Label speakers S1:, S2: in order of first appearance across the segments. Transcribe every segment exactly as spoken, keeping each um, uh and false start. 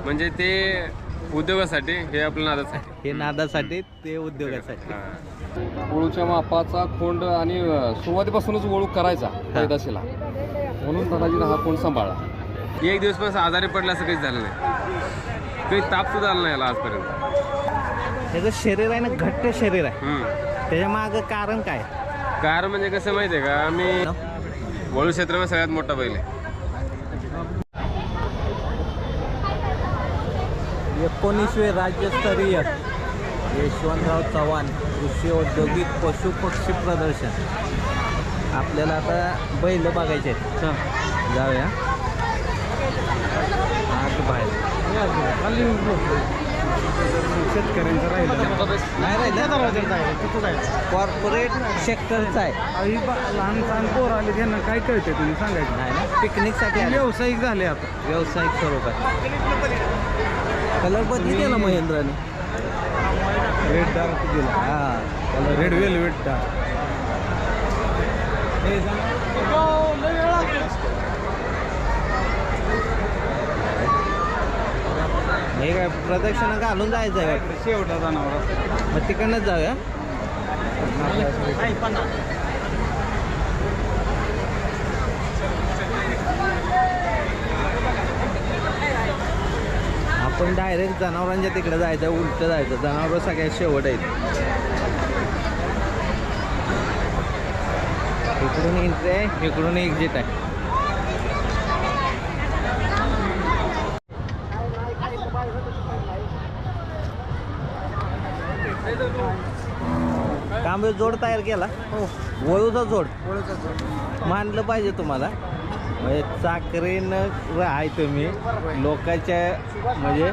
S1: म्हणजे ते उद्योगासाठी, हे आपलं नादासाठी.
S2: हे नादासाठी, ते उद्योगासाठी.
S3: वळूच्या मापाचा खोंड आणि सुरुवातीपासूनच वळू करायचा पैदाशीला, म्हणून दादाजीनं हा खोंड सांभाळला.
S1: एक दिवस पण आजारी पडलं असं काहीच झालं नाही, काही ताप सुद्धा आला नाही याला आजपर्यंत.
S2: त्याचं शरीर आहे ना, घट्ट शरीर आहे.
S1: हम्म.
S2: त्याच्या मागं कारण काय?
S1: कारण म्हणजे कसं माहिती आहे का, आम्ही वळू क्षेत्रामध्ये सगळ्यात मोठा बैल आहे.
S2: एकोणीसवे राज्यस्तरीय यशवंतराव चव्हाण कृषी औद्योगिक पशु पक्षी प्रदर्शन. आपल्याला आता बैल बघायचे आहेत. जाऊया आत बाहेर.
S3: शेतकऱ्यांचं राहिलं
S2: नाही राहिलं, कॉर्पोरेट सेक्टरचा आहे.
S3: लहान लहान पोर आले त्यांना काय कळते तुम्ही सांगायचं
S2: नाही ना, पिकनिकसाठी आले.
S3: व्यावसायिक झाले आता,
S2: व्यावसायिक स्वरूपात. कलर बदली केला महेंद्राने,
S3: रेड डार्क दिला.
S2: हा कलर
S3: रेड वेलवेट डार्क.
S2: हे काय प्रदक्षिणा घालून जायचं आहे का?
S3: शेवटा जनावर
S2: मग तिकडनंच जाऊया. आपण डायरेक्ट जनावरांच्या तिकडे जायचं, उलट जायचं. जनावर सगळ्यात शेवट आहेत. इकडून एंट्री आहे, इकडून एक्झिट आहे. कांबे जोड तयार केला.
S3: हो,
S2: वळूचा जोड
S3: वळूचा जोड
S2: मानलं पाहिजे तुम्हाला. म्हणजे चाकरीनं आहे तुम्ही लोकांच्या, म्हणजे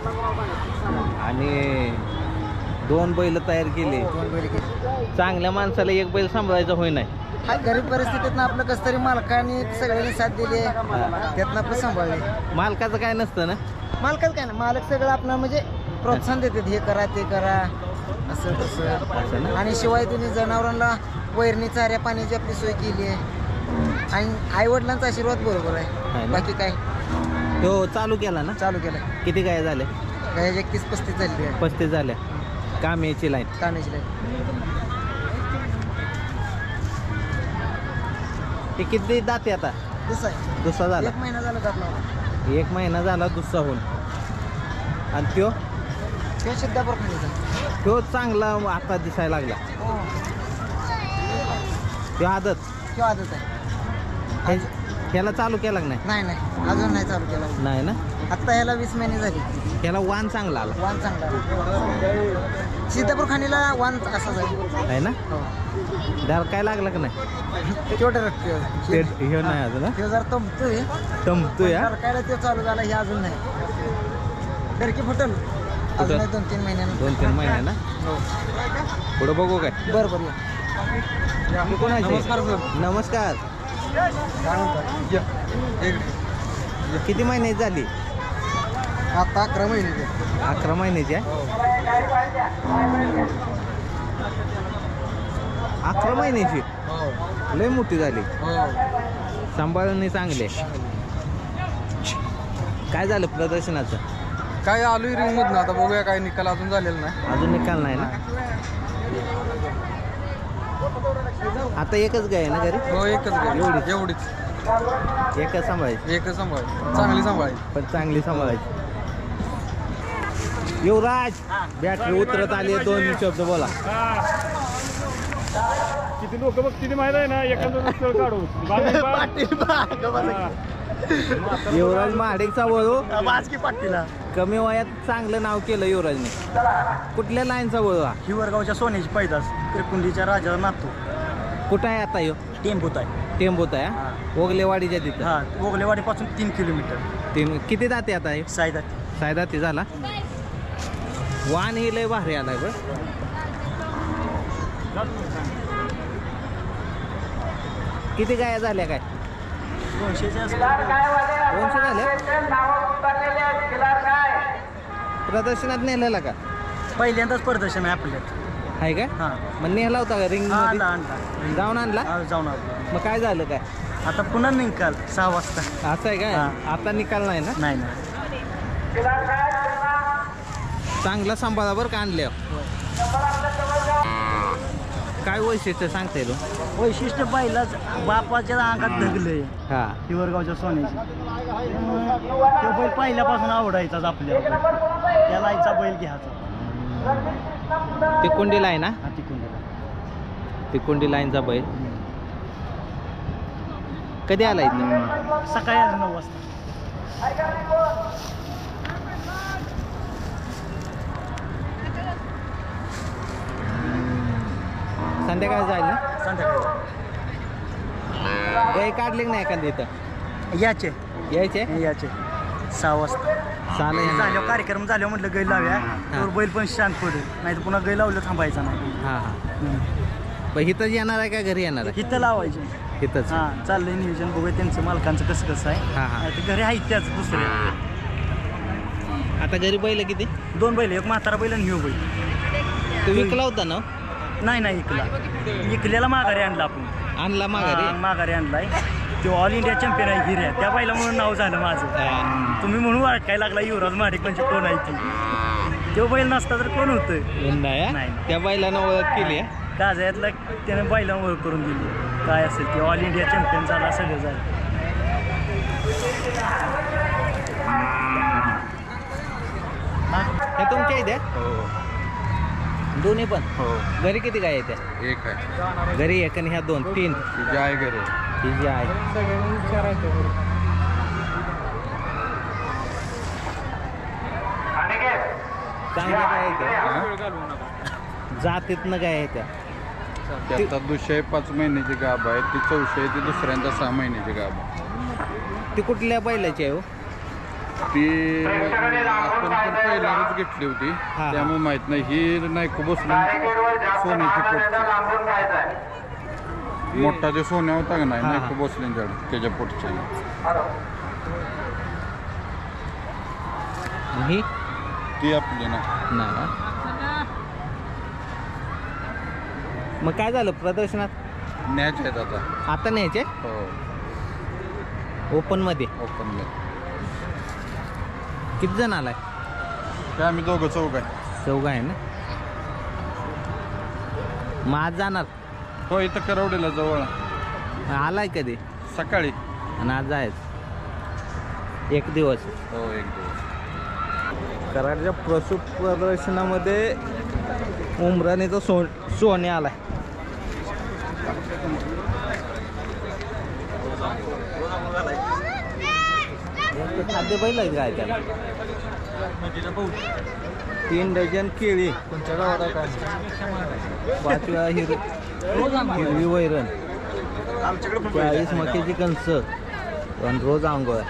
S2: आणि दोन बैल तयार केले.
S4: दोन बैल केली.
S2: चांगल्या माणसाला एक बैल सांभाळायचं होय नाही.
S4: हा गरीब परिस्थितीतनं आपलं कसं तरी मालकाने सगळ्यांनी साथ दिली, त्यातनं आपलं सांभाळले.
S2: मालकाचं काय नसतं ना.
S4: मालकाच काय ना, मालक सगळं आपलं म्हणजे प्रोत्साहन देतात, हे करा ते करा असं
S2: असं
S4: तसं.
S2: ना.
S4: आणि शिवाय त्यांनी जनावरांना वैरणी चाऱ्या पाण्याची आपली सोय केली आहे. आणि आई वडिलांचा आशीर्वाद बरोबर
S2: आहे
S4: आहे.
S2: ना?
S4: बाकी काय
S2: तो चालू केला ना.
S4: चालू केलं.
S2: किती काय झाले?
S4: काय एकतीस पस्तीस झाली आहे
S2: पस्तीस झाल्या. कामेची लाईन.
S4: कानाची लाईन.
S2: ते किती दाते आता?
S4: दुसरा आहे.
S2: दुसरा झाला.
S4: एक महिना झाला जात नव्हता.
S2: एक महिना झाला दुसरा होऊन. आणि त्यो
S4: ते सिद्धापूर खाण्याचा.
S2: तो चांगला आता दिसायला लागला.
S4: हो,
S2: तो आदत
S4: किंवा आदत आहे.
S2: हे- ह्याला चालू केला का नाही?
S4: नाही नाही अजून नाही चालू केला.
S2: नाही ना.
S4: आत्ता ह्याला वीस महिने झाली.
S2: ह्याला वाण चांगला आला
S4: वाण चांगला आहे. सिद्धापूर खाणीला वाण असा जाईल.
S2: आहे ना.
S4: हो,
S2: दर काय लागला का नाही?
S4: तेवढं रक्ते
S2: ते हे नाही अजून ना.
S4: ते जर तंबतोय
S2: तंबतोय हा.
S4: काय ते चालू झाला, हे अजून नाही. डरकी फुटल अजून नाही, दोन तीन महिन्यानं.
S2: दोन तीन महिने ना.
S4: हो,
S2: पुढं बघू काय.
S4: बरं बरं या.
S2: तू कोणाचे?
S3: नमस्कार सर.
S2: नमस्कार.
S4: काय म्हणतात?
S3: या. एक-
S2: किती महिन्याची झाली?
S4: आता अकरा महिने.
S2: अकरा महिन्याची आहे. अकरा महिन्याची
S3: हो,
S2: लय मोठी झाली.
S3: हो.
S2: सांभाळणे चांगले. काय झालं प्रदर्शनाचं?
S3: काय आलोय रिंग मधनं, आता बघूया काय निकाल अजून झालेला नाही.
S2: अजून निकाल नाही ना. आता एकच गाय आहे ना घरी?
S3: हो, एकच गाडी.
S2: एवढीच?
S3: एवढीच
S2: एकच सांभाळायची.
S3: एकच सांभाळ, चांगली सांभाळायची.
S2: पण चांगली सांभाळायची. युवराज बॅटरी उतरत आली. दोन शब्द बोला.
S5: किती लोक बघ किती माहिती आहे ना, एखादं काढू
S2: युवराज महाडेकचा वळू
S4: वाजकी पाटीला
S2: कमी वयात चांगलं नाव केलं युवराजने. कुठल्या लाईनचा वळू हा?
S4: हिवरगावच्या सोन्याची पैदास त्रिकुंडीच्या राजाला नातू.
S2: कुठं आहे आता ह्यो?
S4: टेंबूत आहे.
S2: टेंबूत आहे हा? ओगलेवाडीच्या तिथं.
S4: हा, ओगलेवाडीपासून तीन किलोमीटर.
S2: ते किती जाते आता हे?
S4: सायदा.
S2: सायदाती झाला. वाण ही लय भारी आलाय बरं. किती गाया झाल्या काय?
S4: दोनशेच्या
S2: दोनशे झाल्या. प्रदर्शनात नेलेला का?
S4: पहिल्यांदाच प्रदर्शन आहे आपल्यात.
S2: आहे का?
S4: हां,
S2: मग नेला होता का रिंग
S4: आणला
S2: मध्ये?
S4: आणला
S2: जाऊन आणला.
S4: हा, जाऊन आलो.
S2: मग काय झालं काय?
S4: आता पुन्हा निकाल सहा वाजता.
S2: असं आहे काय?
S4: हां.
S2: आता निकाल नाही ना.
S4: नाही नाही
S2: चांगला सांभाळा बरं का आणले. काय वैशिष्ट्य सांगता येईल?
S6: वैशिष्ट्य बैलाच बापाच्या अंगात धगलंय
S2: हा
S6: हिवरगावच्या सोन्याची. त्यामुळे तो बैल पहिल्यापासून आवडायचाच आपल्याला. त्याला आईचा बैल घ्यायचा.
S2: ते कोंडी लाईन ना,
S6: हा तिकून गेला.
S2: ते कोंडी लाईनचा बैल कधी आला इथं?
S6: सकाळी आले नऊ वाजता.
S2: संध्याकाळी जाईल ना.
S6: संध्याकाळी
S2: गाय काढले की नाही एखादी इथं?
S6: याचे
S2: यायचे
S6: याचे सहा वाजता
S2: चालेल.
S6: झाल्यावर कार्यक्रम झाल्यावर म्हटलं गै लाव्या तर बैल पण शांत पडेल. नाही तर पुन्हा गै लावलं थांबायचा नाही.
S2: हां हां. पण इथंच येणार आहे का घरी येणार आहे?
S6: इथं लावायचे.
S2: इथंच.
S6: हां चाललंय नियोजन. बघूया त्यांचं मालकांचं कसं कसं आहे.
S2: हां हां.
S6: नाही तर घरी आहेत त्याच दुसरे
S2: आता घरी बैल किती?
S6: दोन बैल, एक म्हातारा बैल आणि ह्यो बैल.
S2: तू विकला होता ना?
S6: नाही नाही इकला इकल्याला माघारी आणला आपण.
S2: आणला माघारी?
S6: हां, माघारी आणलाय. तो ऑल इंडिया चॅम्पियन आहे हिऱ्या. त्या बैला म्हणून नाव झालं माझं.
S2: हा.
S6: तुम्ही म्हणून वाटकायला लागला युवराज महाडिक म्हणजे कोण आहे ती. तो बैल नसता तर कोण होतं.
S2: नाही हा?
S6: नाही.
S2: त्या बैलानं ओळख केली आहे.
S6: काजयातला त्याने बैला ओळख करून दिली. काय असेल ते ऑल इंडिया चॅम्पियन झाला सगळं झालं.
S2: हे तुमच्या इथे? दोन्ही पण?
S1: हो.
S2: घरी किती गाय येत्या?
S1: एक आहे.
S2: घरी एक आणि ह्या दोन तीन.
S1: तुझी आहे घरी.
S2: ही जी आहे चांगल्या गाय येत्या. जातीतनं गाय येत्या.
S7: ती आता दुसऱ्या पाच महिन्याची गाभ आहे. ती चौशे ती दुसऱ्यांदा सहा महिन्याची गाभ आहे.
S2: ती कुठल्या बैलाची आहे हो?
S7: ती आपण पण पहिल्याच घेतली होती
S2: हा.
S7: त्यामुळे माहित नाही. ही नाही खूप बसून सोन्याची पोट मोठा जे सोन्या होता का नाही
S2: हा,
S7: नाही
S2: हा.
S7: खूप बसले त्याच्या पोटच्या.
S2: ही
S7: ती आपली ना.
S2: नाही ना. मग काय झालं प्रदर्शनात?
S7: मॅच आहेत आता.
S2: आता न्यायचे
S7: हो
S2: ओपन मध्ये?
S7: ओपन
S2: किती जण आलाय?
S7: काय आम्ही दोघं चौघ आहे.
S2: चौघा आहे ना. मग आज जाणार?
S7: हो इथं करवडेला जवळ
S2: आलाय कधी?
S7: सकाळी.
S2: आणि आज जायचं एक दिवस.
S7: हो एक दिवस.
S2: कराडच्या पशु प्रदर्शनामध्ये उमराणीचा सो सोने आलाय. खाद्य बैल आहे काय त्याला? तीन डझन केळी, पाचव्या हिर हिरवी वैरण, चाळीस मक्याची कणस आणि रोज आंघोळ.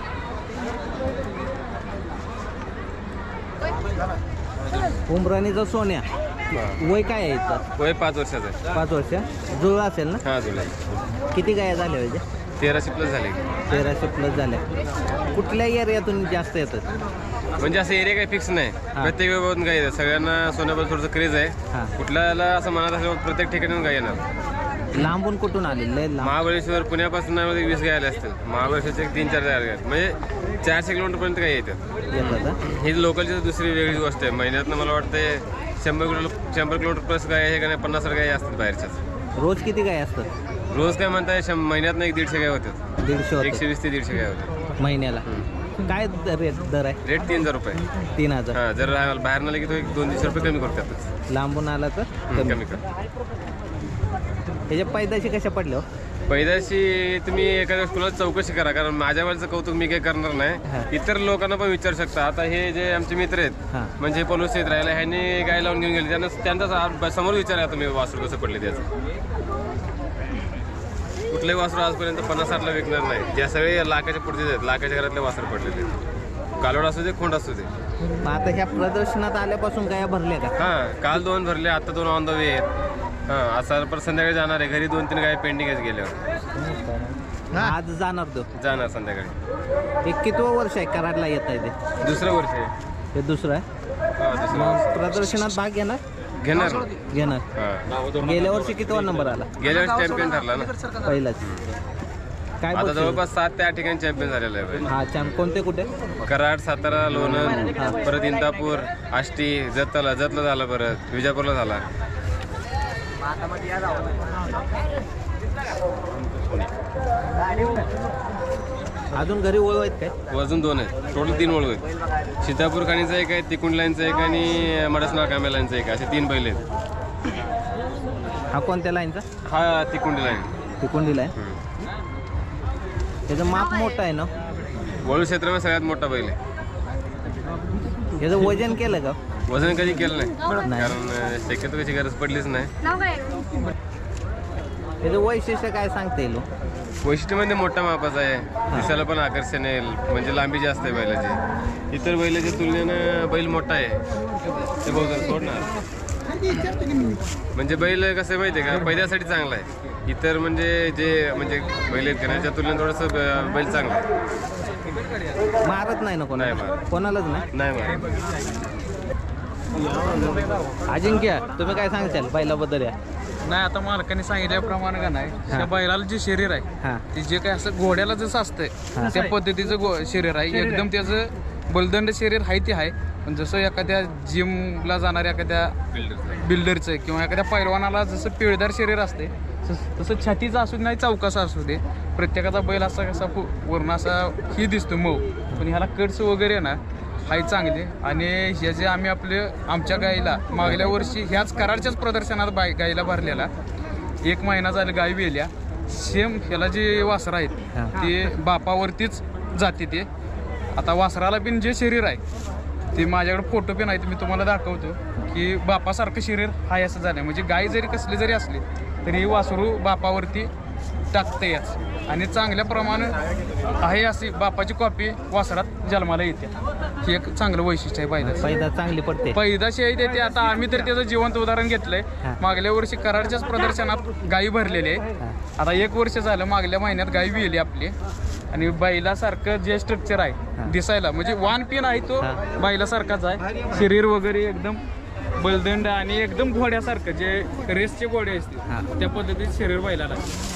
S2: उमराणीचा सोन्या वय काय आहे याचं?
S1: वय पाच वर्षाचं आहे.
S2: पाच वर्ष. जुळला असेल ना?
S1: हा जुलै.
S2: किती गाया झाल्या पाहिजे?
S1: तेराशे प्लस झाले.
S2: तेराशे प्लस झाल्या. कुठल्या एरियातून जास्त येतात?
S1: म्हणजे असं एरिया काही फिक्स नाही. प्रत्येक वेळेवरून गाय येतात. सगळ्यांना सोन्याबद्दल थोडंसं क्रेज आहे.
S2: हां.
S1: कुठल्याला असं मनात असल्यावर प्रत्येक ठिकाणी गाय येणार.
S2: लांबून कुठून आलेले? लय लांब.
S1: महाबळेश्वर पुण्यापासून मध्ये वीस गाय आल्या असतील. महाबळेश्वरचे एक तीन चार गाय आल्या. म्हणजे चारशे किलोमीटरपर्यंत गाय येतात.
S2: येतात हा?
S1: ही लोकलची दुसरी वेगळी गोष्ट आहे. महिन्यातनं मला वाटतं शंभर किलो शंभर किलोमीटर प्लस गाय आहे का नाही पन्नास गाय असतात बाहेरच्याच.
S2: रोज किती गाय असतात?
S1: रोज काय म्हणताय शं महिन्यात एक दीडशे गाय होतात.
S2: दीडशे होतात
S1: एकशे वीस ते दीडशे गाय होतात
S2: महिन्याला. काय द- रेट दर आहे?
S1: रेट तीन हजार रुपये.
S2: तीन हजार.
S1: हां जर बाहेर नाही की तो एक दोन तीनशे रुपये कमी करतात.
S2: लांबून आला तर
S1: कमी
S2: कमी.
S1: कर.
S2: त्याच्या पैदाशी कशा पडल्या हो?
S1: पैदाशी तुम्ही एखाद्या कुणाला चौकशी करा. कारण माझ्या वेळेचं कौतुक मी काही करणार
S2: हा.
S1: नाही. इतर लोकांना पण विचारू शकता. आता हे जे आमचे मित्र आहेत
S2: हां.
S1: म्हणजे पलूस येत राहिला ह्यांनी गाय लावून घेऊन गेले. त्यांना त्यांचा समोर विचारा तुम्ही वासरू कसं पडले त्याचं. कुठलंही वासरू आजपर्यंत पन्नास साठला विकणार नाही. ज्या सगळे लाखाच्या पुढचे आहेत लाखाच्या घरातले वासरू पडलेले आहेत. कालोड असू दे खोंड असू दे.
S2: मग आता ह्या प्रदर्शनात आल्यापासून गाया भरल्या का?
S1: हां काल दोन भरले आता दोन ऑन द वे आहेत. हां आता परत संध्याकाळी जाणार आहे. घरी दोन तीन गाय पेंडिंग आहेत गेल्यावर.
S2: आज जाणार तो?
S1: जाणार संध्याकाळी.
S2: एक कितवं वर्ष आहे कराडला येत आहे ते?
S1: दुसरं वर्ष आहे.
S2: हे दुसरं आहे.
S1: हां दुसरं
S2: मग
S1: वर्ष
S2: प्रदर्शनात भाग घेणार?
S1: घेणार.
S2: घेणार.
S1: हां
S2: गेल्या वर्षी कितवा नंबर आला?
S1: गेल्या वर्षी चॅम्पियन ठरला ना.
S2: पहिलाच. काय
S1: आता
S2: बक्षीस?
S1: जवळपास सात ते आठ ठिकाणी चॅम्पियन झालेलं आहे बैल.
S2: हा चॅम्प कोणते कुठे
S1: कराड, सातारा, लोणंद, परत इंदापूर, आष्टी, जतला जतला झाला, परत विजापूरला झाला.
S2: अजून घरी ओळख आहेत काय?
S1: अजून दोन आहेत, टोटल तीन ओळख आहेत. सीतापूर खाणीचा एक आहे, तिकुंड लाईनचा एक आणि मडसनाळ कांब्या लाईनचा एक, असे तीन बैल आहेत.
S2: हा कोणत्या लाईनचा?
S1: हा तिकुंडी लाईन.
S2: तिकोंडीला आहे. त्याचं माप मोठं आहे ना?
S1: वळू क्षेत्रामध्ये सगळ्यात मोठा बैल आहे.
S2: त्याचं वजन केलं का?
S1: वजन कधी केलं नाही,
S2: नाही.
S1: कारण शक्यतो कशी गरज पडलीच नाही.
S2: त्याचं वैशिष्ट्य काय सांगता येईल?
S1: वैशिष्ट्य म्हणजे मोठा मापाचा आहे, दिसायला पण आकर्षण आहे, म्हणजे लांबी जास्त आहे बैलाची. इतर बैलाच्या तुलनेनं बैल मोठा आहे. ते बहुत सोडणार म्हणजे बैल कसं आहे माहिती आहे का, पैद्यासाठी चांगला आहे. इतर म्हणजे जे म्हणजे बैल आहेत करण्याच्या तुलनेत थोडंसं बैल चांगला आहे.
S2: मारत नाही ना कोणाला?
S1: नाही मारत.
S2: कोणालाच नाही.
S1: नाही मारत.
S2: अजिंक्य, तुम्ही काय सांगताल बैलाबद्दल? या
S8: नाही, आता मालकाने सांगितल्याप्रमाणे का नाही, त्या बैलाला जे शरीर आहे
S2: हां
S8: ते जे काय असं घोड्याला जसं असतंय त्या पद्धतीचं गो शरीर आहे. एकदम त्याचं बलदंड शरीर आहे ते आहे. पण जसं एखाद्या जिमला जाणाऱ्या एखाद्या बिल्डरचं किंवा एखाद्या पैलवानाला जसं पिळदार शरीर असते तसं छातीचं असू दे नाही चौकासा असू दे, प्रत्येकाचा बैल असा कसा वर्ण असा ही दिसतो मऊ, पण ह्याला कट्स वगैरे ना हाय चांगले. आणि हे जे आम्ही आपले आमच्या गाईला मागल्या वर्षी ह्याच कराडच्याच प्रदर्शनात बाय गाईला भरलेला एक महिना झाला गाई वेल्या, सेम ह्याला जे वासरं आहेत ते बापावरतीच जाते. ते आता वासराला पण जे शरीर आहे ते माझ्याकडे फोटो पण आहेत, मी तुम्हाला दाखवतो की बापासारखं शरीर हाय असं झालं. म्हणजे गाय जरी कसली जरी असली तरी वासरू बापावरती टाकते याच, आणि चांगल्या प्रमाणे आहे अशी बापाची कॉपी वासरात जन्माला येते. हे एक चांगलं वैशिष्ट्य आहे बैलाचं.
S2: पैदा चांगली पडते.
S8: पैदाशी आहे ते आता आम्ही तर त्याचं जिवंत उदाहरण घेतलंय. मागल्या वर्षी कराडच्याच प्रदर्शनात गायी भरलेली आहे. आता एक वर्ष झालं, मागल्या महिन्यात गायी विली आपली, आणि बैलासारखं जे स्ट्रक्चर आहे दिसायला म्हणजे वान पिन आहे तो बैलासारखाच आहे. शरीर वगैरे एकदम बलदंड आणि एकदम घोड्यासारखं जे रेसचे घोडे असते त्या पद्धतीत शरीर बैलाला आहे.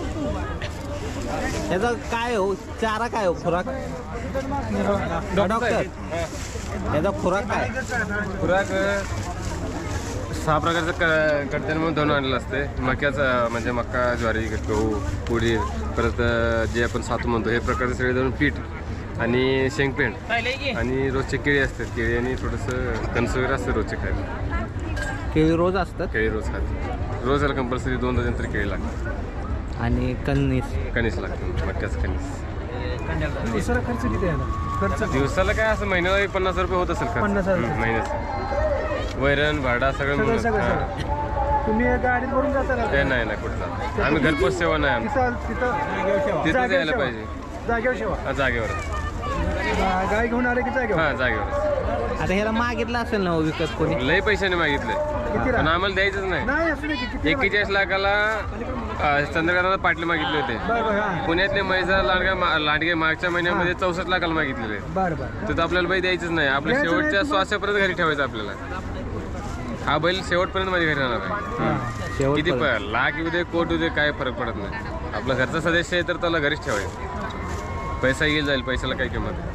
S2: त्याचा काय हो चारा काय हो खुराक? डॉक्टर, त्याचा खुराक काय?
S1: खुराक सहा प्रकारचं क कडधान्य म्हणून धरून आणलेलं असते. मक्याचा म्हणजे मका, ज्वारी, गहू, उडीद, परत जे आपण सातू म्हणतो हे प्रकारचे सगळे धरून पीठ आणि शेंगपेंड आणि रोजचे केळी असतात. केळी आणि थोडंसं कणस वगैरे असतं रोजचे खायला.
S2: केळी रोज असतात?
S1: केळी रोज खाते. रोज याला कंपल्सरी दोन डझन तरी केळी लागतात.
S2: आणि कणीस
S1: कणीस लागतं, मक्याचं कणीस.
S6: दिवसाला खर्च किती आहे ना? खर्च
S1: दिवसाला काय असं महिन्याला पन्नास रुपये होत असेल
S6: पन्नास
S1: का
S6: हजार.
S1: महिन्याचं वैरण भाडा सगळं मिळून.
S6: सगळं
S1: हां.
S6: सगळं तुम्ही गाडीत भरून जाता ना?
S1: ते नाही नाही कुठं जात. आम्ही घरपोच सेवा नाही आमची.
S6: तिथं तिथं
S1: तिथं
S6: जागेवर
S1: जायला
S6: शेवा.
S1: पाहिजे.
S6: जागेवर शेवा.
S1: हा, जागेवर.
S6: गाय घेऊन आले की जागेवर?
S1: हां, जागेवर.
S2: आता ह्याला मागितलं असेल ना हो विकत कोणी?
S1: लई पैशाने मागितले
S6: किती
S1: पण आम्हाला द्यायचंच नाही.
S6: नाही असू दे की किती?
S1: एक्केचाळीस लाखाला चंद्रकांतला पाटले मागितले होते.
S6: बरं बरं हां.
S1: पुण्यातले मैजा लांडगे मा- लांडगे मागच्या महिन्यामध्ये चौसष्ट लाखाला मागितलेले.
S6: बरं बरं.
S1: तर आपल्याला बैल द्यायचंच नाही. आपल्या
S6: द्यायचं नाही
S1: शेवटच्या
S6: मग?
S1: श्वासापर्यंत घरी ठेवायचं आपल्याला. हा बैल शेवटपर्यंत माझ्या घरी राहणार आहे.
S2: शेवट
S1: किती प- लाख येऊ दे, कोट येऊ दे, काय फरक पडत नाही. आपला घरचा सदस्य आहे तर त्याला घरीच ठेवायचं. पैसा येईल जाईल, पैशाला काही किंमत नाही.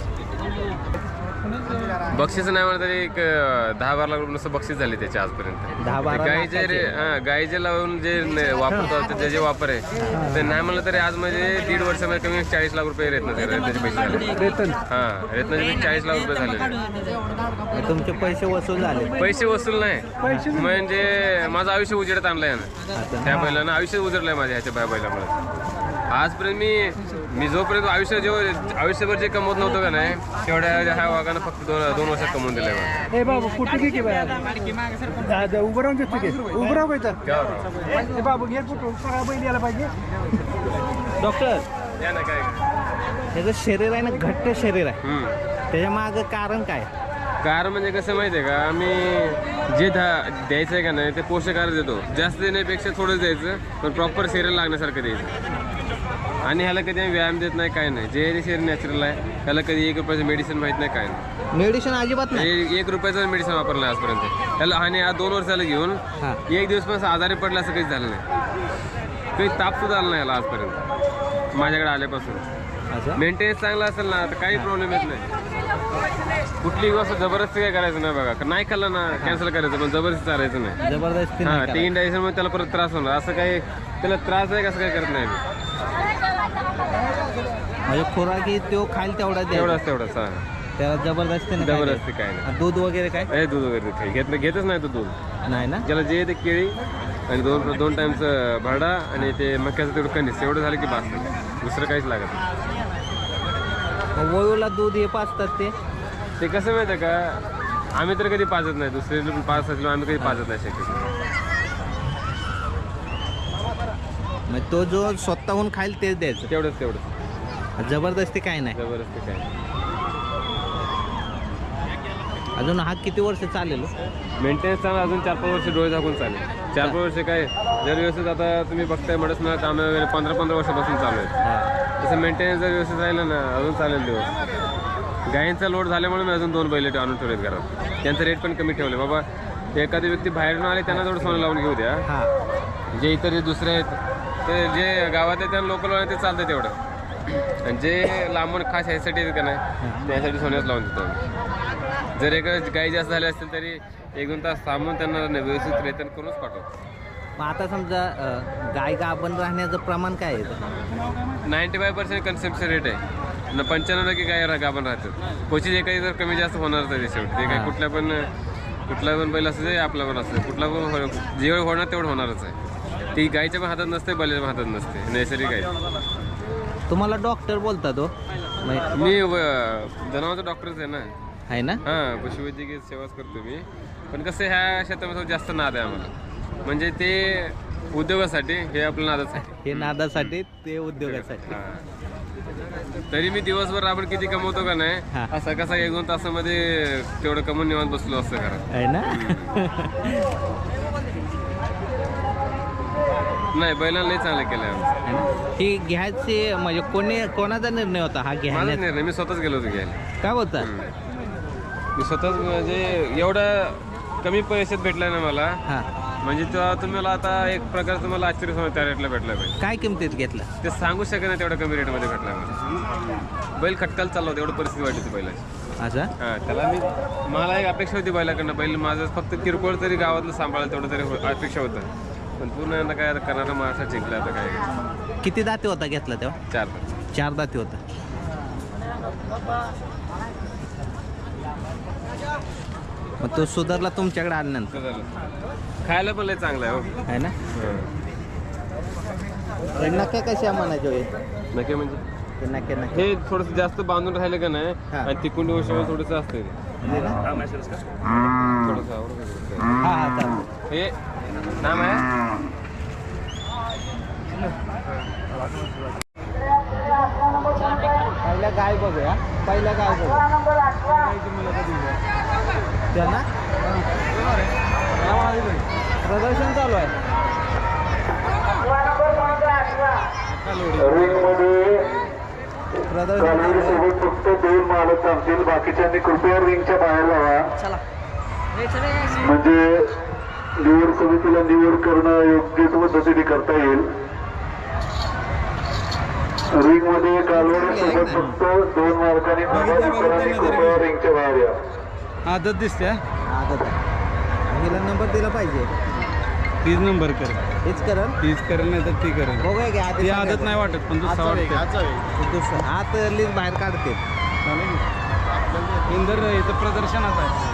S1: बक्षीस नाही म्हणत तरी एक अं, दहा बारा लाख रुपये नुसतं बक्षीस झाले त्याचे आजपर्यंत.
S2: दहा बारा
S1: गाईचे रे हां गाईचे लावून जे न- वापरतात त्याचे जे वापर आहे ते नाही म्हणलं तरी आज म्हणजे दीड वर्षामध्ये कमी चाळीस लाख रुपये रेतनाचे रेतनाचे पैसे झाले.
S6: वेतन
S1: हां रेतनाचे पैसे चाळीस लाख रुपये झाले.
S2: तुमचे पैसे वसूल झाले?
S1: पैसे वसूल नाही म्हणजे माझं आयुष्य उजेडात आणलंय यानं. त्या बैलानं आयुष्य उजडलंय माझ्या ह्याच्या बाय बैलामुळे. आजपर्यंत मी मी जोपर्यंत आयुष्य जेव्हा आयुष्यभर जे कमवत नव्हतं का नाही तेवढ्या ह्या वाघानं फक्त दोन दोन वर्षात कमवून दिलंय मला.
S6: हे बाबू कुठे घे की बाय उभं राहून घेतो की उभं राहू काय तर हे बाबू घे कुठं सगळा बैल यायला पाहिजे.
S2: डॉक्टर,
S1: या ना काय
S2: त्याचं शरीर आहे ना घट्ट शरीर आहे,
S1: हम्म.
S2: त्याच्या मागं कारण काय?
S1: कारण म्हणजे कसं माहिती आहे का, आम्ही जे धा द्यायचं आहे का नाही ते पोषक आहार देतो. जास्त देण्यापेक्षा थोडंच द्यायचं पण प्रॉपर शरीर लागण्यासारखं द्यायचं. आणि ह्याला कधी आम्ही व्यायाम देत नाही, काय नाही. जे शरीर नॅचरल आहे ह्याला कधी एक रुपयाचं मेडिसिन माहीत नाही, काय नाही.
S2: मेडिसिन अजिबात नाही?
S1: हे एक रुपयाचं मेडिसिन वापरलं नाही आजपर्यंत ह्याला. आणि हा दोन वर्षाला घेऊन
S2: हां.
S1: एक दिवस पण असं आजारी पडला असं काहीच झालं नाही. काही ताप सुद्धा आला नाही याला आजपर्यंत. माझ्याकडे आल्यापासून.
S2: असं
S1: मेंटेनन्स चांगला असेल ना तर काही प्रॉब्लेम येत नाही. कुठली गोष्ट जबरदस्ती काय करायचं नाही बघा. नाही खाल्लं ना कॅन्सल करायचं, पण जबरदस्ती चालायचं नाही.
S2: जबरदस्ती
S1: हा
S2: नाही
S1: ते इंडायजेशन मध्ये त्याला परत त्रास होणार. असं काही त्याला त्रास आहे कसं काय करत नाही मी.
S2: करायचं. म्हणजे खुराकी तो खाईल तेवढा द्यायचा.
S1: तेवढाच तेवढाच हा.
S2: त्याला जबरदस्ती नाही
S1: जबरदस्ती काय नाही.
S2: आणि दूध वगैरे काय
S1: हे दूध वगैरे काही घेत घेतच नाही तो दूध.
S2: नाही ना.
S1: ज्याला जे ते केळी आणि दोन दोन टाइमचं भरडा आणि ते मक्याचं तेवढं कणीस एवढं झालं की बास. दुसरं काहीच लागत नाही.
S2: मग वळूला दूध हे पाचतात ते
S1: ते कसं माहिती आहे का, आम्ही तर कधी पाजत नाही. दुसरे पण पाच असलो आम्ही कधी पाजत नाही शक्यतो.
S2: मग तो जो स्वतःहून खाईल तेच द्यायचं.
S1: तेवढंच तेवढंच
S2: जबरदस्ती काय नाही.
S1: जबरदस्ती काय नाही.
S2: अजून हा किती वर्ष चालेल हो?
S1: मेंटेनन्स चांगला अजून चार पाच वर्ष डोळे झाकून चालेल. चार पाच वर्ष काय जर व्यवस्थित आता तुम्ही बघताय म्हणत ना कामं वगैरे पंधरा पंधरा वर्षापासून चालू आहेत. तसं मेंटेनन्स जर व्यवस्थित राहिलं ना अजून चालेल दिवस. गायींचा लोड झाल्यामुळे मी अजून दोन बैल आणून ठेवलेत घरात. त्यांचं रेट पण कमी ठेवले. बाबा एखादी व्यक्ती बाहेरून आले त्यांना थोडं सोनं लावून घेऊ द्या.
S2: हां
S1: जे इतर जे दुसरे आहेत ते जे गावात आहेत त्यांना लोकल वाले ते चालतं तेवढं. आणि जे लांबून खास ह्यासाठी येतात का नाही त्यासाठी सोन्याच लावून देतो आम्ही. जर एक गाई जास्त झाले असतील तरी एक दोन तास थांबून त्यांना व्यवस्थित रेतन करूनच पाठवतो.
S2: मग आता समजा अं, गाय गाभण राहण्याचं प्रमाण काय आहे?
S1: नाईन्टी फाय पर्सेंट कन्सेप्टचं रेट आहे. न पंच्याण्णव टक्के गाय गाभण राहतात. क्वचित एकही जर कमी जास्त होणारच आहे शेवटी. ते काय कुठल्या पण कुठला पण बैल असू दे आपला पण असू दे कुठला पण जेवढं होणार तेवढं होणारच आहे. ती गायच्या पण हातात नसते बैलाच्या पण हातात नसते. नैसर्गिक आहे.
S2: तुम्हाला डॉक्टर बोलता तो
S1: मी जनावरचा डॉक्टरच आहे ना.
S2: आहे ना.
S1: हां पशुवैद्यकीय सेवाच करतो मी. पण कसं ह्या क्षेत्रामध्ये जास्त नाद आहे आम्हाला. म्हणजे ते उद्योगासाठी हे आपलं नादच आहे.
S2: हे नादासाठी ते उद्योगासाठी.
S1: हां. तरी मी दिवसभर आपण किती कमवतो का नाही
S2: हां.
S1: असं कसं एक दोन तासामध्ये तेवढं कमवून निवांत बसलो असतं घरात.
S2: आहे ना.
S1: नाही बैलांना लई चांगलं केलं आमचं.
S2: ही घ्यायची म्हणजे कोणी कोणाचा निर्णय होता हा
S1: माझाच
S2: घ्यायचा?
S1: निर्णय. मी स्वतःच गेलो होतो घ्यायला.
S2: काय बोलता?
S1: मी स्वतःच म्हणजे एवढं कमी पैशात भेटला ना मला.
S2: हां.
S1: म्हणजे तेव्हा तुम्हाला आता एक प्रकारचं मला आश्चर्य होणार त्या रेटला भेटला पाहिजे.
S2: काय किमतीत घेतला?
S1: ते सांगू शकत नाही तेवढ्या कमी रेटमध्ये भेटला मला. बैल खटकाल चालला होता एवढं परिस्थिती वाटली होती बैलाची.
S2: असं
S1: हां त्याला मी मला एक अपेक्षा होती बैलाकडनं. बैल माझं फक्त किरकोळ तरी गावातलं सांभाळलं तेवढं तरी हो- अपेक्षा होतं. पण पूर्ण आता काय करणारा महाराष्ट्रात जिंकला आता काय.
S2: किती दाते होता घेतला तेव्हा?
S1: चार
S2: चार दाते होता. मग तो सुधारला तुमच्याकडे आल्यानंतर
S1: झालं. खायला पण लय चांगलं आहे हो.
S2: आहे ना. हे नक्या कशा म्हणायचे होय?
S1: नक्की म्हणजे
S2: ते नक्या नक्या
S1: हे थोडंसं जास्त बांधून राहिलं का नाही
S2: हां.
S1: आणि तिकुंडी वशिवर थोडंसं असतं ते.
S2: म्हणजे ना?
S1: थोडंसं आवडतं.
S2: हा हा चालतं.
S1: हे नाम आहे
S2: पहिल्या गाय बघूया. पहिल्या गाय बघूया त्यांना प्रदर्शन चालू आहे. प्रदर्शन
S9: सोबत फक्त दोन मालक थांबतील. बाकीच्यांनी कृपया रिंगच्या बाहेर लावा. म्हणजे निवड समितीला निवड करणं योग्य पद्धतीने करता येईल. रिंग मध्ये कालवड सोबत फक्त दोन मालकांनी कृपया रिंगच्या बाहेर या.
S8: आदत दिसते.
S2: आदत आहे. हिला नंबर दिला पाहिजे.
S8: तीच नंबर कर.
S2: हेच करण
S8: तीच करेल नाही तर ती करेल.
S2: बघूया की आधी
S8: ती आदत नाही वाटत पण दुसरा वाटते.
S2: दुसरं आत लीज बाहेर काढते.
S8: इंदर इथं प्रदर्शनात आहे.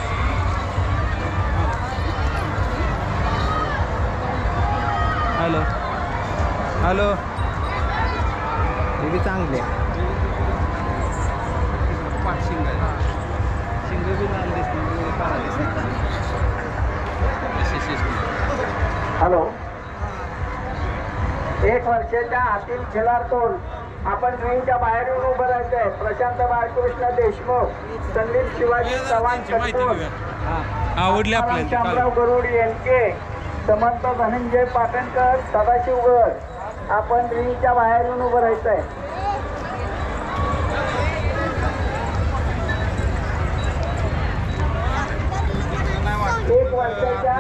S8: हॅलो हॅलो
S2: हे बी चांगले
S8: शिंग शिंग बी लाल दिसते काळा दिसते.
S9: हॅलो. एक वर्षाच्या आतील खेळाडून आपण रिंगच्या बाहेर येऊन उभं राहायचंय. प्रशांत बाळकृष्ण देशमुख, संदीप शिवाजी चव्हाण कटकोल,
S8: आवडले
S9: शामराव
S8: आपल्याला.
S9: गरुड यांचे, समर्थ धनंजय पाटणकर, सदाशिव गड. आपण रिंगच्या बाहेर येऊन उभं राहायचंय. एक वर्षाच्या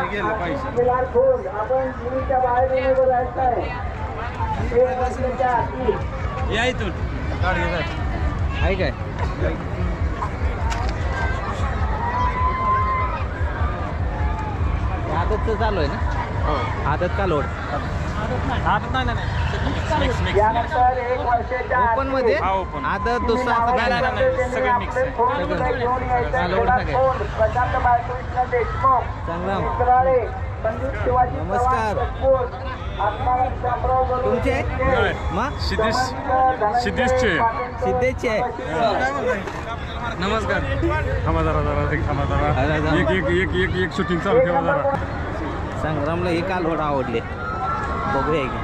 S9: खेळाडून आपण रिंगच्या बाहेर येऊन उभं राहायचंय. एक वर्षाच्या आतील
S6: या इथून
S2: आहे काय आदतचं चालू आहे ना आदत का लोड ओपन मध्ये आदत दुसरा असं काय नाही
S6: सगळं मिक्स आहे
S2: चालवड सगळे संग्राम नमस्कार तुमचे मग
S5: सिद्धेश सिद्धेशचे
S2: सिद्धेशचे आहे
S5: नमस्कार थांबा जरा जरा एक थांबा
S2: अरे
S5: जरा
S2: जा.
S5: एक एक एक एक एक शूटिंग चालू ठेवा जरा
S2: संग्रामला हे कालवड आवडले बघूया की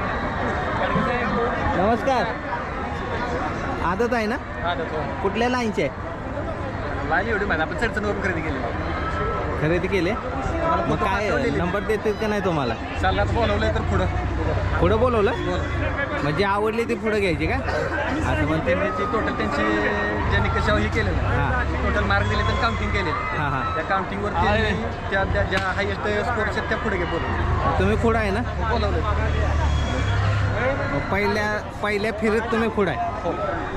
S2: नमस्कार आदत आहे ना कुठल्या लाईनचे आहे
S6: लाईन एवढी माहिती आपण चढचणवरून खरेदी केली
S2: खरेदी केले मग काय नंबर देतात का नाही तुम्हाला
S6: चाललाच बोलवलंय तर पुढं
S2: पुढं बोलवलं म्हणजे आवडली ती पुढं घ्यायची का असं म्हणते
S6: त्यांनी टोटल त्यांची ज्यांनी कशावर हे केलेलं
S2: हां
S6: टोटल मार्क दिले तर काउंटिंग केलेलं
S2: हां हां
S6: त्या काउंटिंगवर त्यांनी त्या त्या ज्या हायेस्ट स्कोर्स आहेत त्या पुढे घे बोलवलं
S2: तुम्ही पुढं आहे ना
S6: बोलवलं
S2: मग पहिल्या पहिल्या फिरत तुम्ही पुढं आहे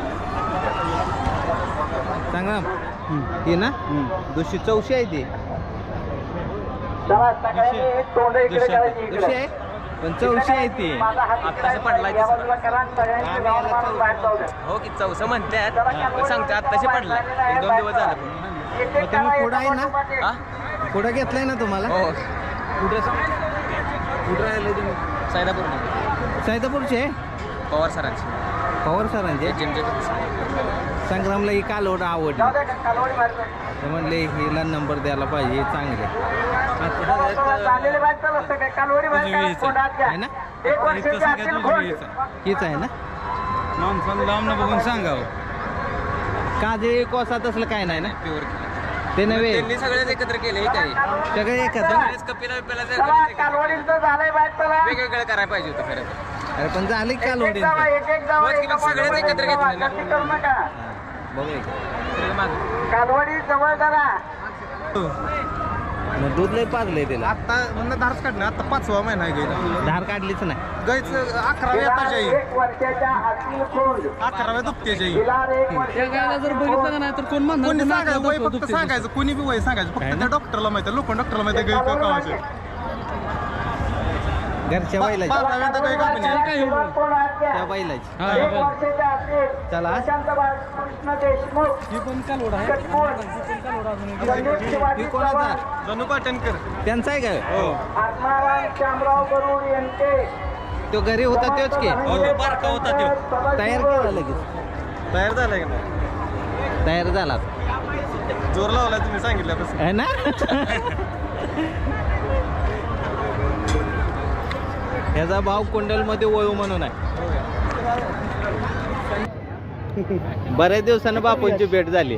S2: सांगा ती ना दुसरी चौशी आहे ती दुसरी आहे पण चौशी आहे ती
S6: आत्ताच पडलाय हो की चौसा म्हणतात सांगते आत्ताशी पडलाय एक दोन दिवस झाले
S2: मग तुम्ही पुढं आहे ना
S6: हा
S2: पुढं घेतलंय ना तुम्हाला
S6: हो
S2: कुठं कुठं राहिले तुम्ही
S6: सायदापूर
S2: सैदापूरचे
S6: पवार सरांची
S2: पवार सरांचे
S6: जिमचे
S2: संग्रामला ही कालवड आवडली ते म्हणले हिला नंबर द्यायला पाहिजे हे चांगले आहे ना हीच आहे ना
S8: माणसानं लांबनं बघून सांगावं
S2: काजळी कोसात असलं काय नाही ना
S6: प्युअर
S2: ते नव्हे
S6: त्यांनी सगळेच एकत्र केले काही
S2: सगळे एकत्र
S6: सगळेच कपिला बिपिला वेगवेगळं करायला पाहिजे होतं खरं तर.
S2: अरे पण झाले कालवडी
S6: होच की मग सगळेच एकत्र घेतले ना
S2: बघूया
S6: सगळे मागं.
S2: मग दूध लय पाजलंय त्याला
S8: आता म्हणलं धारच काढणं आता पाचवा महिना आहे गायला
S2: धार काढलीच नाही
S8: गायचं अकराव्या येताच्या येईल अकराव्या दुपत्याच्या येईल
S6: त्या गायला जर बघितलं नाही तर कोण म्हणणार
S8: कोणी
S6: पुन्हा
S8: सांगायचं वय
S6: दुखते,
S8: फक्त
S6: दुखते.
S8: सांगायचं कोणी बी वय सांगायचं
S2: काय
S8: फक्त
S2: ना?
S8: त्या डॉक्टरला माहिती लोक डॉक्टरला माहिती गाय कावाचे
S2: घरच्या बैलाची
S8: बाराव्या गाय कापणी
S6: त्याला काय एवढं?
S2: त्या बैलाची
S6: हा, हा, बरं.
S2: चला
S6: ही पण कालवड आहे ही पण कालवड अजून एक.
S2: ही कोणाचा
S8: जणू पाटणकर
S2: त्यांचा आहे काय
S8: हो
S2: तो घरी होता तोच की
S8: हो ते बारका होता तो
S2: तयार केला लगेच
S8: तयार झालाय का नाही
S2: तयार झाला
S8: जोर लावलाय तुम्ही सांगितल्यापासून
S2: आहे ना ह्याचा भाव कुंडलमध्ये वळू म्हणून आहे बऱ्याच दिवसानं बापूंची भेट झाली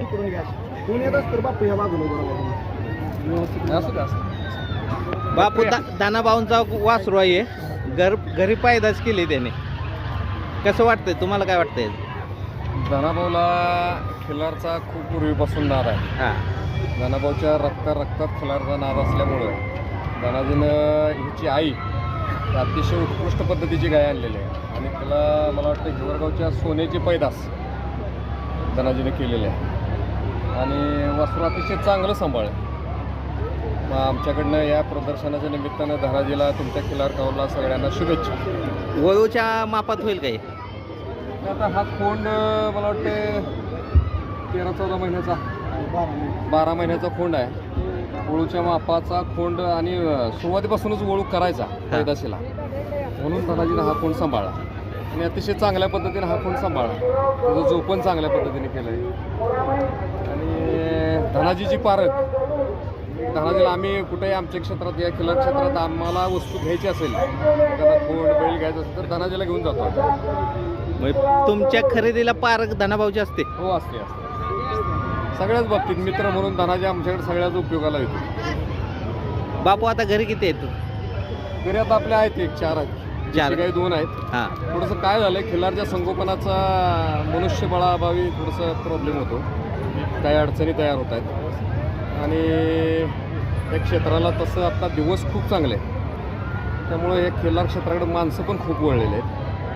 S2: बापू दा दाना भाऊंचा वासरू आहे घर घरी पायदास केली त्याने कसं वाटतंय तुम्हाला काय वाटतंय
S3: धनाभाऊला खिलारचा खूप पूर्वीपासून नाद आहे
S2: हा
S3: धनाभाऊच्या रक्ता रक्तात खिलारचा नाद असल्यामुळं धनाजीनं हिची आई ही अतिशय उत्कृष्ट पद्धतीची गाय आणलेली आहे आणि त्याला मला वाटतं हिवरगावच्या सोन्याची पैदास धनाजीनं केलेली आहे आणि वासरू अतिशय चांगलं सांभाळ आहे. मग आमच्याकडनं या प्रदर्शनाच्या निमित्तानं धनाजीला तुमच्या खिलार कावला सगळ्यांना शुभेच्छा.
S2: वळूच्या मापात होईल काही
S3: आता हा खोंड मला वाटतं तेरा चौदा महिन्याचा बारा महिन्याचा खोंड आहे. वळूच्या मापाचा खोंड आणि सुरुवातीपासूनच वळू करायचा पैदाशीला म्हणून धनाजीनं हा खोंड सांभाळला आणि अतिशय चांगल्या पद्धतीने हा खोंड सांभाळला. त्याचं जोपण चांगल्या पद्धतीने केलं आहे आणि धनाजीची पारख धनाजीला आम्ही कुठेही आमच्या क्षेत्रात या खिलार क्षेत्रात आम्हाला वस्तू घ्यायची असेल एखादा खोंड बैल घ्यायचा असेल तर धनाजीला घेऊन जातो.
S2: मग तुमच्या खरेदीला पारक धनाभाऊची असते
S3: हो असते असते सगळ्याच बाबतीत मित्र म्हणून धनाजी आमच्याकडे सगळ्याच उपयोगाला येतो.
S2: बापू आता घरी किती आहेत
S3: घरी आता आपले आहेत एक चार आहेत
S2: चार.
S3: काही दोन आहेत.
S2: हां
S3: थोडंसं काय झालं खिलारच्या संगोपनाचा मनुष्यबळाअभावी थोडंसं प्रॉब्लेम होतो. काही अडचणी तयार होत आहेत आणि या क्षेत्राला तसं आता दिवस खूप चांगले आहेत त्यामुळे या खिलार क्षेत्राकडे माणसं पण खूप वळलेले आहेत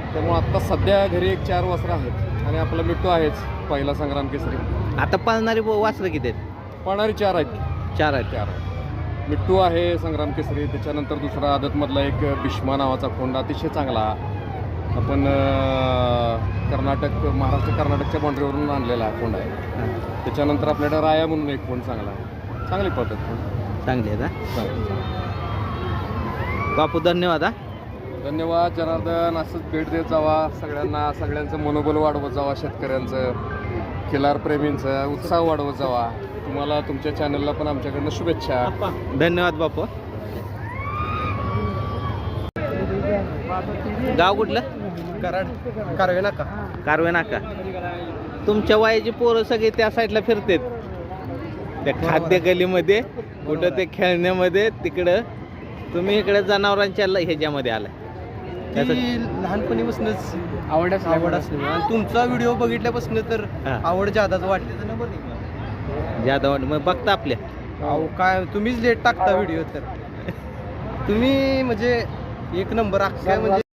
S3: त्यामुळे आत्ता सध्या घरी एक चार वासरं आहेत आणि आपला मिट्टू आहेच पहिला संग्राम केसरी.
S2: आता पाळणारी वासरं किती आहेत?
S3: पाळणारी चार आहेत.
S2: चार आहेत.
S3: चार आहेत. मिट्टू आहे संग्राम केसरी, त्याच्यानंतर दुसरा आदतमधला एक भीष्मा नावाचा खोंड अतिशय चांगला, आपण अं, कर्नाटक महाराष्ट्र कर्नाटकच्या बाउंड्रीवरून आणलेला हा खोंड आहे. त्याच्यानंतर आपल्याकडे राया म्हणून एक खोंड चांगला आहे, चांगली पद्धत खोंड.
S2: चांगले आहेत हा. बापू धन्यवाद हा.
S3: धन्यवाद जनार्दन. असंच भेट देत जावा सगळ्यांना, सगळ्यांचं मनोबल वाढवत जावा, शेतकऱ्यांचं, खिलार प्रेमींचं उत्साह वाढवत जावा. तुम्हाला तुमच्या चॅनलला पण आमच्याकडनं शुभेच्छा.
S2: धन्यवाद बापू. गाव कुठलं?
S6: कराड कारवे नाका.
S2: कारवे नाका. तुमच्या वयाची पोरं सगळे त्या साईडला फिरतात, त्या खाद्य गलीमध्ये, कुठं ते खेळण्यामध्ये, तिकडं तुम्ही इकडे जनावरांच्या ल- ह्याच्यामध्ये आलाय. त्याचं
S6: लहानपणीपासूनच आवड आवड असली आणि तुमचा व्हिडिओ बघितल्यापासून तर
S2: हा.
S6: आवड जादाच वाटते.
S2: ज्यादा वाट- मग बघता आपल्या
S6: अहो काय तुम्हीच लेट टाकता व्हिडिओ, तर तुम्ही म्हणजे एक नंबर अख्ख्या म्हणजे